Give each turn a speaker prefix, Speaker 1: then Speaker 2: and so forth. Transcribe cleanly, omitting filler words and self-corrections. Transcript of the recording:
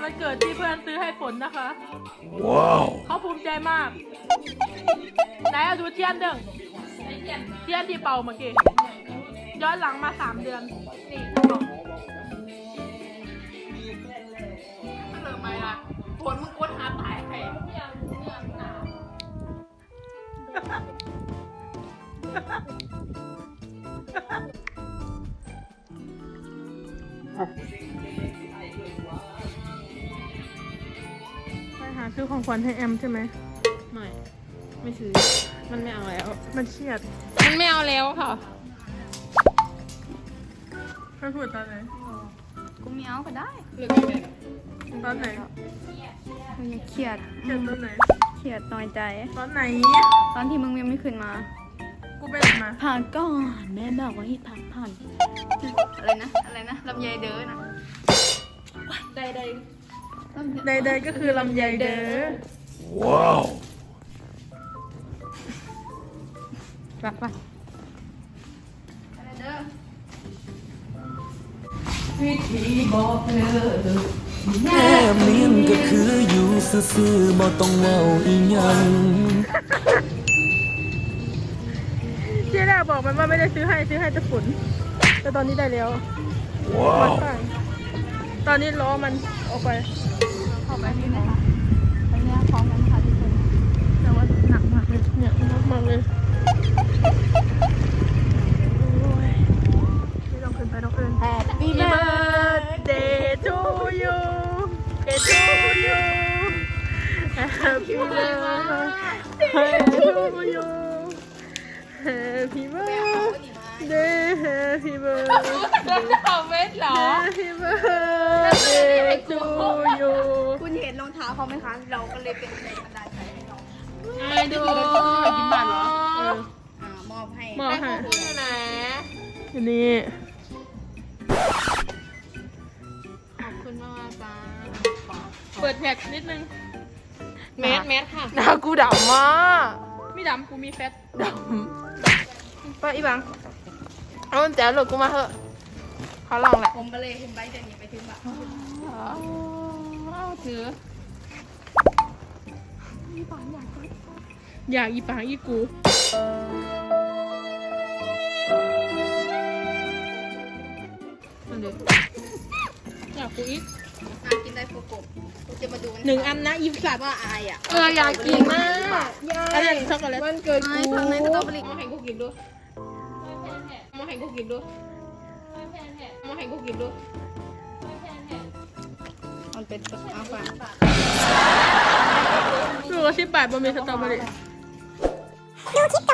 Speaker 1: วันเกิดที่เพื่อนซื้อให้ฝนนะคะ ว้าวเขาภูมิใจมากไหนเอาดูเทียนเด้งเทียนที่เป่าเมื่อกี้ย้อนหลังมา3 เดือนนี่บอกเริ่มไหมล่ะฝนมึงกดหาตายใครไปหาซื้อของขวัญให้แอมใช่ไหมไม่ซื้อมันไม่เอาแล้วมันเครียดมันไม่เอาแล้วค่ะเพื่อนพูดตอนไหน
Speaker 2: กูไม่เอาก็ได้
Speaker 1: ตอนไหน
Speaker 2: มึงยังเครียด
Speaker 1: เครียดตอนไหน
Speaker 2: เครียดน้อยใจ
Speaker 1: ตอนไหน
Speaker 2: ตอนที่มึงยังไม่ขึ้นมา
Speaker 1: กูไปไหนมา
Speaker 2: ผ่านก่อนแม่บอกว่าให้ผ่านอะไรนะลำไยเด้อนะใด
Speaker 1: ใดๆก็คือลำไยเด้อ
Speaker 3: ว้าว
Speaker 2: รักปะวิธีบอกเลย
Speaker 3: แม่เลี้ยงก็คืออยู่ซื่อๆบ่ต้องเว้าอีหยัง
Speaker 1: เจ๊ดาบอกมันว่าไม่ได้ซื้อให้แต่ฝนแต่ตอนนี้ได้แล้ว
Speaker 3: ว้าว
Speaker 1: ตอนนี้ล้อมันออกไป
Speaker 2: เข้าไปที่ไหนคะไปเนี่ยพร้อมกันค่ะทุกคน
Speaker 1: แต่ว่าหนักมากเลยเนี่ยหนักมากเลยโอ้ยไม่ต้องขึ้นไปต้องขึ้น
Speaker 2: Happy
Speaker 1: birthday to you to you Happy birthday to you Happy birthday Happy birthday
Speaker 2: เอาเวทเหรอ
Speaker 1: Happy birthday to you
Speaker 2: คุณเห็นรองเท้าเขาไหมคะ เราก็เลยเป็นแรงบันดาลใจให้เรา
Speaker 1: ไม่ดูกินบัตรเหรอ
Speaker 2: มอบให้
Speaker 1: มอบให้
Speaker 2: ไหน
Speaker 1: อันนี้
Speaker 2: ขอบคุณมากจ้า
Speaker 1: เปิดแท็กนิดนึง
Speaker 2: แมสค่ะ
Speaker 1: หน้ากูดำมากไม่ดำกูมีแฟตดำไปอีบังเอาแจ๋วหลุดกูมาเถอะเขาลองแหละ
Speaker 2: ผมไปเลยคุณใบจะหนีไปถึงแบบ
Speaker 1: เอาถืออยากอีปางอีกูมันเดี๋ยวอยากกูอีก
Speaker 2: กินได้โฟกุกูจะมาดู
Speaker 1: 1 อันนะอีสัตว์
Speaker 2: ว่าอายอ่ะ
Speaker 1: อยากกินมากอันนี้ช็อกโกแลตวันเกิดกู
Speaker 2: ทางในสตรอเบอรี่
Speaker 1: มาให้กูกินด้วยมาให้กูกินด้วยมาให้กูกินด้วย
Speaker 2: มันเป็นเอาฝาก
Speaker 1: ดูว่า10 บาทบะหมี่สตรอเบอรี่